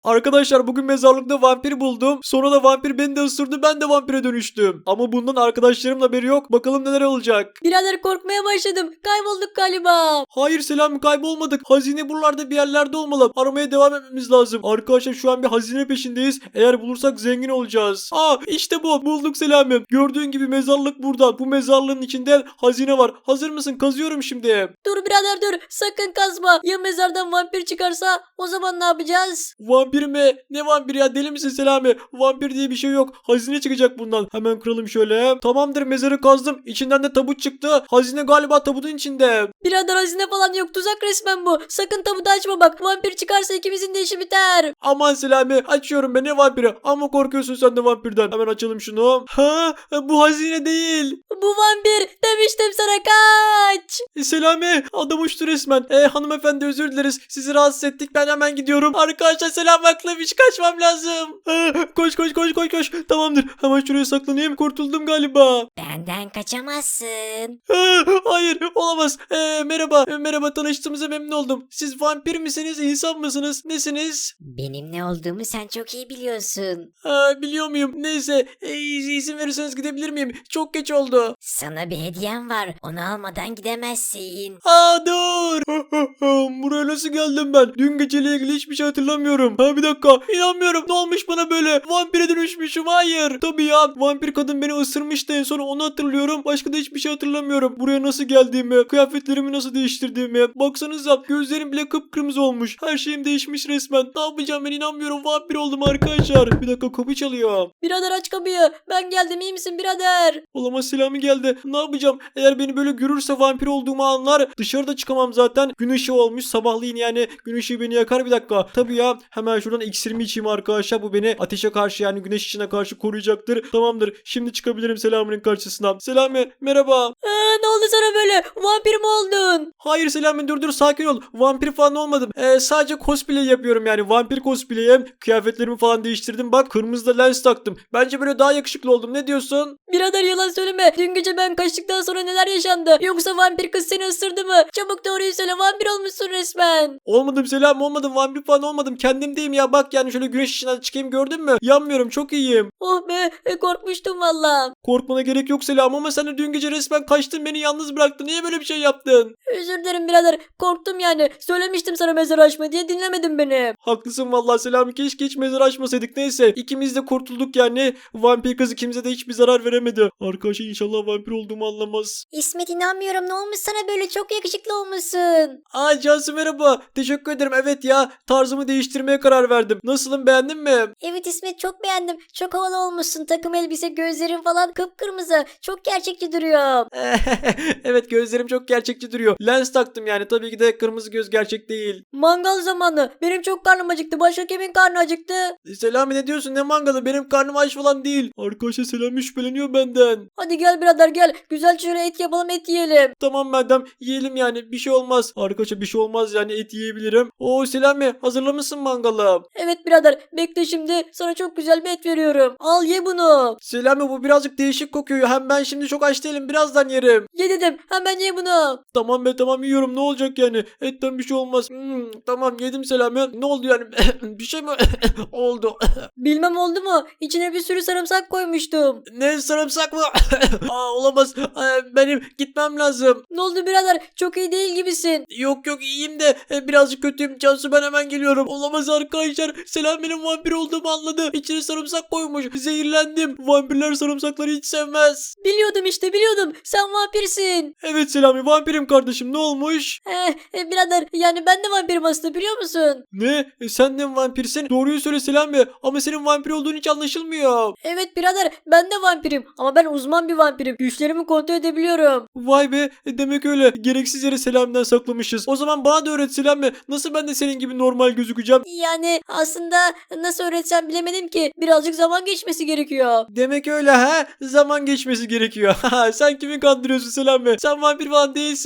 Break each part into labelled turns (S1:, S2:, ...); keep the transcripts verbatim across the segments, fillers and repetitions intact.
S1: Arkadaşlar bugün mezarlıkta vampir buldum. Sonra da vampir beni de ısırdı. Ben de vampire dönüştüm. Ama bundan arkadaşlarımın haberi yok. Bakalım neler olacak.
S2: Birader korkmaya başladım. Kaybolduk galiba.
S1: Hayır Selami, kaybolmadık. Hazine buralarda bir yerlerde olmalı. Aramaya devam etmemiz lazım. Arkadaşlar şu an bir hazine peşindeyiz. Eğer bulursak zengin olacağız. Aa işte bu. Bulduk Selami. Gördüğün gibi mezarlık burada. Bu mezarlığın içinde hazine var. Hazır mısın? Kazıyorum şimdi.
S2: Dur birader dur. Sakın kazma. Ya mezardan vampir çıkarsa o zaman ne yapacağız?
S1: Vampir mi? Ne vampir ya? Deli misin Selami? Vampir diye bir şey yok. Hazine çıkacak bundan. Hemen kıralım şöyle. Tamamdır, mezarı kazdım. İçinden de tabut çıktı. Hazine galiba tabutun içinde.
S2: Birader hazine falan yok. Tuzak resmen bu. Sakın tabutu açma bak. Vampir çıkarsa ikimizin de işi biter.
S1: Aman Selami, açıyorum ben, ne vampiri? Ama korkuyorsun sen de vampirden. Hemen açalım şunu. Ha, bu hazine değil.
S2: Bu vampir. Demiştim sana kaç.
S1: E, Selami, adam uçtu resmen. E, hanımefendi özür dileriz. Sizi rahatsız ettik. Ben hemen gidiyorum. Arkadaşlar selam, haklıymış. Kaçmam lazım. E, koş koş koş koş koş. Tamamdır. Hemen şuraya saklanayım. Kurtuldum galiba.
S2: Benden kaçamazsın.
S1: E, hayır olamaz. E, merhaba. E, merhaba, tanıştığımıza memnun oldum. Siz vampir misiniz? İnsan mısınız? Nesiniz?
S2: Benim ne olduğumu sen çok iyi biliyorsun.
S1: Ha, biliyor muyum? Neyse. E, izin verirseniz gidebilir miyim? Çok geç oldu.
S2: Sana bir hediyem var. Onu almadan gidemezsin.
S1: Aa dur. Buraya nasıl geldim ben? Dün geceyle ilgili hiçbir şey hatırlamıyorum. Ha bir dakika. İnanmıyorum. Ne olmuş bana böyle? Vampire dönüşmüşüm. Hayır. Tabii ya. Vampir kadın beni ısırmıştı en son, onu hatırlıyorum. Başka da hiçbir şey hatırlamıyorum. Buraya nasıl geldiğimi, kıyafetlerimi nasıl değiştirdiğimi. Baksanıza, gözlerim bile kıpkırmızı olmuş. Her şeyim değişmiş resmen. Ne yapacağım ben, inanmıyorum. Vampir oldum arkadaşlar. Bir dakika, kapı çalıyor.
S2: Birader aç kapıyı. Ben geldim, iyi misin birader?
S1: Olamaz, Selami geldi. Ne yapacağım? Eğer beni böyle görürse vampir olduğumu anlar. Dışarıda çıkamam zaten. Gün ışığı olmuş. Sabahleyin yani gün ışığı beni yakar. Bir dakika. Tabii ya. Hemen şuradan iksirimi içeyim arkadaşlar. Bu beni ateşe karşı, yani güneş ışığına karşı koruyacaktır. Tamamdır. Şimdi çıkabilirim Selami'nin karşısına. Selami merhaba.
S2: Ee, ne oldu sana böyle? Vampir mi oldun?
S1: Hayır Selami, dur dur, sakin ol. Vampir falan olmadım. Ee, sadece cosplay yapıyorum yani. Vampir cosplay'im. Kıyafetlerimi falan değiştirdim. Bak, kırmızı da lens taktım. Bence böyle daha yakışıklı oldum. Ne diyorsun?
S2: Birader yalan söyleme. Dün gece ben kaçtıktan sonra neler yaşandı? Yoksa vampir kız seni ısırdı mı? Çabuk doğruyu söyle, vampir olmuşsun resmen.
S1: Olmadım Selam, olmadım. Vampir falan olmadım. Kendimdeyim ya. Bak yani şöyle güneş ışığına çıkayım, gördün mü? Yanmıyorum, çok iyiyim.
S2: Oh be, e, korkmuştum valla.
S1: Korkmana gerek yok Selam, ama sen de dün gece resmen kaçtın, beni yalnız bıraktın. Niye böyle bir şey yaptın?
S2: Özür dilerim birader. Korktum yani. Söylemiştim sana mezar açma diye, dinlemedin beni.
S1: Haklısın vallahi Selami, keşke hiç mezar açmasaydık. Neyse, ikimiz de kurtulduk yani. Vampir kız ikimize de hiçbir zarar veremedi. Arkadaşlar inşallah vampir olduğumu anlamaz.
S2: İsmet inanmıyorum. Ne olmuş sana böyle? Çok yakışıklı olmuşsun.
S1: Aa Cansu merhaba. Teşekkür ederim. Evet ya, tarzımı değiştirmeye karar verdim. Nasılım, beğendin mi?
S2: Evet İsmet, çok beğendim. Çok havalı olmuşsun. Takım elbise, gözlerin falan kıpkırmızı. Çok gerçekçi duruyor.
S1: Evet, gözlerim çok gerçekçi duruyor. Lens taktım yani, tabii ki de kırmızı göz gerçek değil.
S2: Mangal zamanı. Benim çok karnım acıktı. Başka kimin karnı acıktı?
S1: Selami ne diyorsun, ne mangalı, benim karnım aç falan değil. Arkadaşlar Selami şüpheleniyor benden.
S2: Hadi gel birader gel. Güzel şöyle et yapalım, et yiyelim.
S1: Tamam madem, yiyelim yani, bir şey olmaz. Arkadaşlar bir şey olmaz yani, et yiyebilirim. Oo Selami, hazırlamışsın mangalı.
S2: Evet birader, bekle şimdi. Sana çok güzel bir et veriyorum. Al ye bunu.
S1: Selami bu birazcık değişik kokuyor. Hem ben şimdi çok aç değilim, birazdan yerim.
S2: Ye dedim. Hemen ye bunu.
S1: Tamam be, tamam yiyorum, ne olacak yani. Etten bir şey olmaz. Hmm, tamam yedim Selami. Ne oldu yani? Bir şey mi oldu?
S2: Bilmem oldu mu? İçine bir sürü sarımsak koymuştum.
S1: Ne, sarımsak mı? Aa, olamaz. Ee, benim gitmem lazım.
S2: Ne oldu birader? Çok iyi değil gibisin.
S1: Yok yok, iyiyim de e, birazcık kötüyüm. Cansu, ben hemen geliyorum. Olamaz arkadaşlar. Selami'nin vampir olduğumu anladı. İçine sarımsak koymuş. Zehirlendim. Vampirler sarımsakları hiç sevmez.
S2: Biliyordum işte, biliyordum. Sen vampirsin.
S1: Evet Selami, vampirim kardeşim, ne olmuş?
S2: Eh, e, birader yani ben de vampirim aslında, biliyor musun?
S1: Ne? E, sen de mi vampirsin? Doğruyu söyle Selami. Ama senin vampir olduğun hiç anlaşılmıyor.
S2: Evet birader, ben de vampirim. Ama ben uzman bir vampirim. Güçlerimi kontrol edebiliyorum.
S1: Vay be, e, demek öyle. Gereksiz yere Selami'den saklamışız. O zaman bana da öğret Selami. Nasıl ben de senin gibi normal gözükeceğim?
S2: Yani aslında nasıl öğretsem bilemedim ki. Birazcık zaman geçmesi gerekiyor.
S1: Demek öyle ha? Zaman geçmesi gerekiyor. Sen kimi kandırıyorsun Selami? Sen vampir falan değilsin.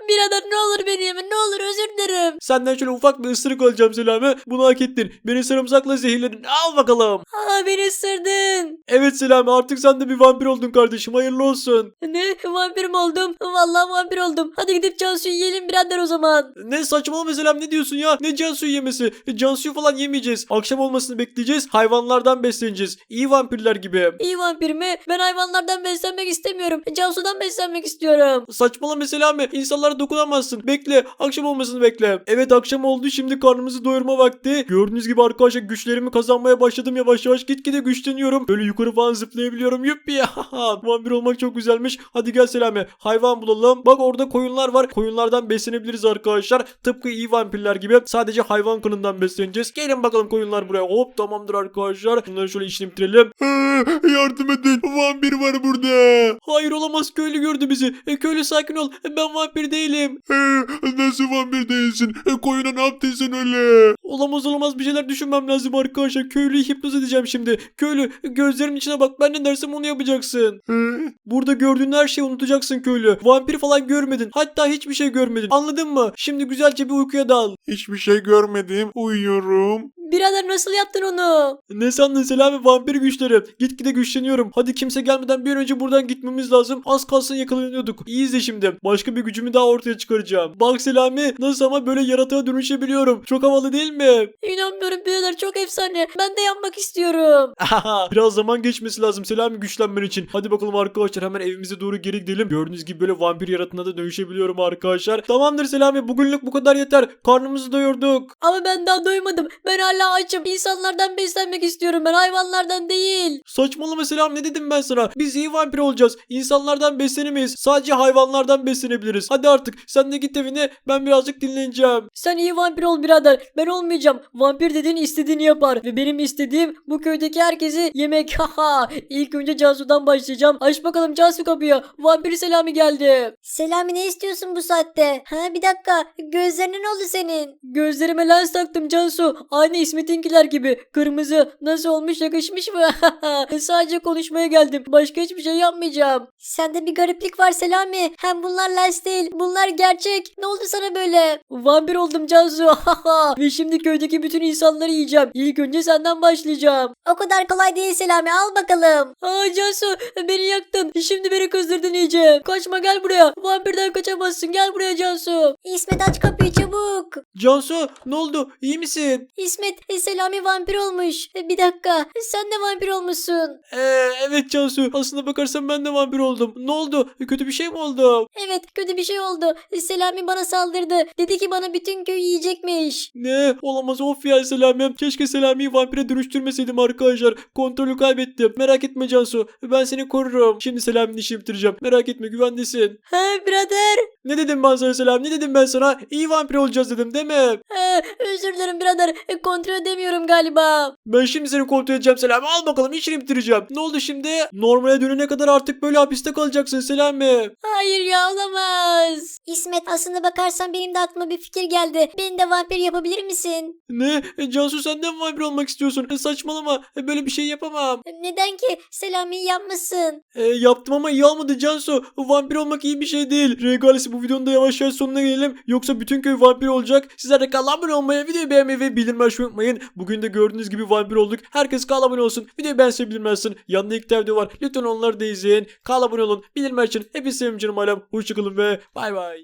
S2: birader ne olur beni yeme ne olur özür dilerim.
S1: Senden şöyle ufak bir ısırık alacağım Selami. Bunu hak ettin. Beni sarımsakla zehirledin. Al bakalım.
S2: Aa beni ısırdın.
S1: Evet Selami, artık sen de bir vampir oldun kardeşim. Hayırlı olsun.
S2: Ne vampir mi oldum? Vallahi vampir oldum. Hadi gidip Cansu'yu yiyelim birader o zaman.
S1: Ne saçmalama Selam, ne diyorsun ya? Ne Cansu'yu yemesi? E, Cansu'yu falan yemeyeceğiz. Akşam olmasını bekleyeceğiz. Hayvanlardan besleneceğiz. İyi vampirler gibi.
S2: İyi vampir mi? Ben hayvanlardan beslenmek istemiyorum. Cansu'dan beslenmek istiyorum.
S1: Saçmalama Selami. İnsanlara dokunamazsın. Bekle. Akşam olmasını bekle. Evet, akşam oldu. Şimdi karnımızı doyurma vakti. Gördüğünüz gibi arkadaşlar güçlerimi kazanmaya başladım. Yavaş yavaş gitgide güçleniyorum. Böyle yukarı falan zıplayabiliyorum. Yuppi ya. Vampir olmak çok güzelmiş. Hadi gel Selami. Hayvan bulalım. Bak orada koyunlar var. Koyunlardan beslenebiliriz arkadaşlar. Tıpkı iyi vampirler gibi. Sadece hayvan kanından besleneceğiz. Gelin bakalım koyunlar buraya. Hop, tamamdır arkadaşlar. Bunları şöyle işini bitirelim. Yardım edin. Vampir var burada. Hayır, olamaz. Köylü gördü bizi. E, köylü sakin ol. E, ben vampir değilim. Nasıl vampir değilsin? E, koyuna ne yaptın sen öyle? Olamaz olamaz, bir şeyler düşünmem lazım arkadaşlar. Köylüyü hipnoz edeceğim şimdi. Köylü, gözlerimin içine bak. Ben ne dersem onu yapacaksın. Burada gördüğün her şeyi unutacaksın köylü. Vampir falan görmedin. Hatta hiçbir şey görmedin. Anladın mı? Şimdi güzelce bir uykuya dal.
S3: Hiçbir şey görmedim. Uyuyorum.
S2: Birader nasıl yaptın onu?
S1: Ne sandın Selami? Vampir güçleri. Gitgide güçleniyorum. Hadi kimse gelmeden bir an önce buradan gitmemiz lazım. Az kalsın yakalanıyorduk. İyi izle şimdi. Başka bir gücümü daha ortaya çıkaracağım. Bak Selami, nasıl ama böyle yaratığa dönüşebiliyorum. Çok havalı değil mi?
S2: İnanmıyorum birader çok efsane. Ben de yapmak istiyorum.
S1: Biraz zaman geçmesi lazım Selami güçlenmen için. Hadi bakalım arkadaşlar, hemen evimize doğru geri gidelim. Gördüğünüz gibi böyle vampir yaratığına da dönüşebiliyorum arkadaşlar. Tamamdır Selami, bugünlük bu kadar yeter. Karnımızı doyurduk.
S2: Ama ben daha doymadım. Ben hala açım. İnsanlardan beslenmek istiyorum ben hayvanlardan değil.
S1: Saçmalama Selami, ne dedim ben sana? Biz iyi vampir olacağız. İnsanlardan beslenemeyiz. Sadece hayvanlardan beslenebiliriz. Hadi artık sen de git evine, ben birazcık dinleneceğim.
S2: Sen iyi vampir ol birader. Ben olmayacağım. Vampir dediğin istediğini yapar. Ve benim istediğim bu köydeki herkesi yemek. Haha. İlk önce Cansu'dan başlayacağım. Aç bakalım Cansu kapıyı. Vampir Selami geldi.
S4: Selami ne istiyorsun bu saatte? Ha bir dakika. Gözlerine ne oldu senin?
S2: Gözlerime lens taktım Cansu. Aynı İsmet'inkiler gibi. Kırmızı. Nasıl olmuş, yakışmış mı? Sadece konuşmaya geldim. Başka hiçbir şey yapmayacağım.
S4: Sende bir gariplik var Selami. Hem bunlar lens değil. Bunlar gerçek. Ne oldu sana böyle?
S2: Vampir oldum Cansu. Ve şimdi köydeki bütün insanları yiyeceğim. İlk önce senden başlayacağım.
S4: O kadar kolay değil Selami. Al bakalım.
S2: Aa Cansu beni yaktın. Şimdi beni kızdırdın iyice. Kaçma, gel buraya. Vampirden kaçamazsın. Gel buraya Cansu.
S4: İsmet aç kapıyı çabuk.
S1: Cansu, ne oldu? İyi misin?
S4: İsmet e, Selami vampir olmuş. E, bir dakika. Sen de vampir olmuşsun.
S1: Ee, evet Cansu. Aslında bakarsan ben de vampir oldum. Ne oldu? Kötü bir şey mi oldu?
S4: Evet kötü bir şey oldu. E, Selami bana saldırdı. Dedi ki bana bütün köyü yiyecekmiş.
S1: Ne? Olamaz, of ya Selami. Keşke Selami'yi vampire dönüştürmeseydim arkadaşlar. Kontrolü kaybettim. Merak etme Cansu. Ben seni korurum. Şimdi Selami'nin işini bitireceğim. Merak etme, güvendesin.
S2: He birader.
S1: Ne dedim ben sana Selami? Ne dedim ben sana? İyi vampir olacağız dedim değil mi?
S2: He, özür dilerim birader. E, kontrol edemiyorum galiba.
S1: Ben şimdi seni kontrol edeceğim Selami. Al bakalım, işini bitireceğim. Ne oldu şimdi? Normale dönene kadar artık böyle hapiste kalacaksın Selami.
S2: Hayır ya, olamaz.
S4: İsmet aslında bakarsan benim de aklıma bir fikir geldi. Beni de vampir yapabilir misin?
S1: Ne? E, Cansu, sen de mi vampir olmak istiyorsun? E, saçmalama. E, böyle bir şey yapamam.
S4: Neden ki? Selami'yi yapmışsın.
S1: E, yaptım ama iyi olmadı Cansu. Vampir olmak iyi bir şey değil. Regalesi, bu videonun da yavaş yavaş sonuna gelelim. Yoksa bütün köy vampir olacak. Sizler de kanala abone olmayı, videoyu beğenmeyi ve bildirim açmayı unutmayın. Bugün de gördüğünüz gibi vampir olduk. Herkes kanala abone olsun. Videoyu beğense bildirmezsin. Yanında ilk video var. Lütfen onları da izleyin. Kanala abone olun. Bildirim açın. Hepinizi sevim canım alem. Hoşçakalın ve bay bay.